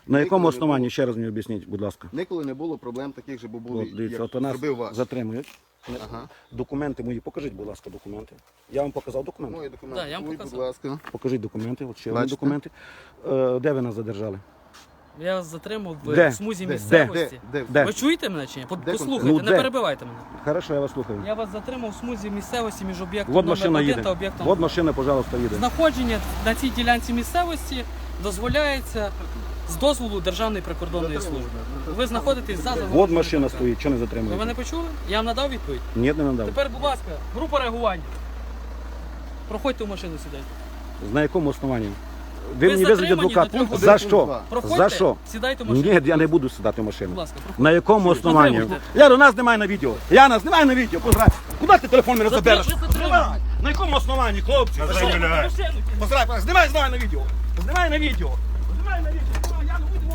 На якому основанні, ще раз мені об'ясніть, будь ласка. Ніколи не було проблем таких, щоб були, От, дивіться, як от у нас зробив ваш. затримують. Ага. Документи мої, покажіть, будь ласка, документи. Я вам показав документи. Мої документи. Да, я вам Ой, показав. будь ласка. Покажіть документи, от ще одні Бачите? документи. Де ви нас задержали? Я вас затримав Де? в смузі Де? місцевості. Де? Ви чуєте мене чи ні? Де Послухайте, Ну, не де? перебивайте мене. Хорошо, я вас слухаю. Я вас затримав в смузі місцевості між об'єктом Вот номер машина 1 їде. та об'єктом. Вот машина, пожалуйста, їде. Знаходження на цій ділянці місцевості дозволяється з дозволу Державної прикордонної служби. Ви знаходитесь за забором. Вот машина стоїть, що не Ви затримуєте? мене почули? Я вам надав відповідь. Ні, не надав. Тепер, будь ласка, група реагування. Проходьте в машину сідайте. На якому основанні? Ви Ви мені визвіть затримані адвокат. до 3 За годин. що? Проходьте, За що? сідайте в машину. Ні, я не буду сідати в машину. Будь ласка, проходьте. На якому основанні? Затримуйте. Я нас знімаю на відео. Я нас знімаю на відео. Поздрав. Куди ти телефон мене забереш? Ви затримані. На якому основанні, хлопці? За що? Машину. Поздрав, знімай на відео. Знімай на відео. Знімай на відео. Знімай, я не буду.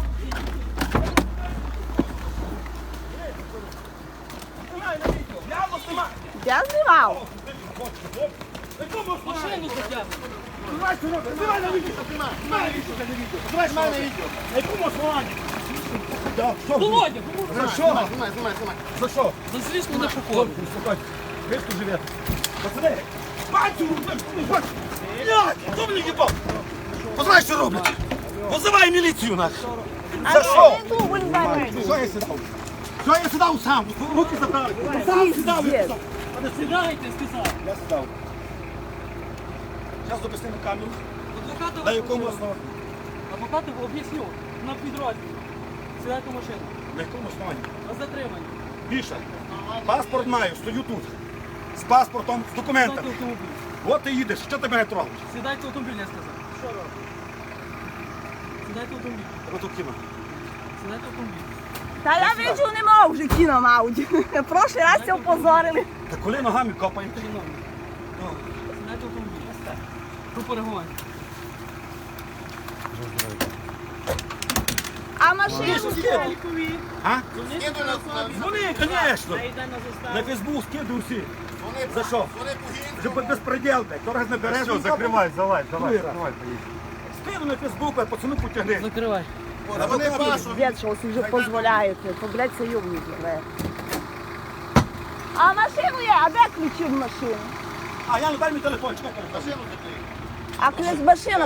Знімай на відео. Я вас знімаю. Я знімав. На якому основанні? Машину затягнути. Знімай, що робиш? Знімай на відео. Знімай на відео. Знімай на відео. На якому основанні? Так, що? Володя, За що? Знімай. За що? зазвісно на покору. Успокойся. Ви тут живете. Пацани! Бачу! Блядь! Хто мені їбав? Познаєш, що роблять? Позивай міліцію нах! За що? Що я сідав? Що я сідав сам? Руки забрали. Сам сідав. Я сідав. Сідайте, сказав. Я сідав. Зараз допусти на камеру. Адвоката На якому основанні? Адвоката об'ясню. На підрозділі. Сідайте в машину. На якому основанні? Ви затримані. Більше. Паспорт маю, стою тут. З паспортом, з документами. Сідайте в автомобіль. От ти їдеш, що ти мене трогаєш? Сідайте в автомобіль, я сказав. Що робите? Сідайте в автомобіль. Ось тут кіно. Сідайте в автомобіль. Та я виджу не мав вже кіно Ауді. Прошлий раз це опозорили. Та коли ногами копаєш? Сідайте в автомобіль. Група реагування. А машину А? Вони, звісно. На Фейсбук скидаю всі. За що? Вже під безпреділ, блядь. То раз набереш. Все, закривай, залазь, давай, Другий раз. давай, поїдь. Скину на Фейсбук, а пацану потягни. Закривай. А вони вашу. дід, що ви вже дозволяєте. То, блядь, це юбник треба. А машину є, а де ключі в машину? А я не дай мій телефон, чекай телефон. А ключ машина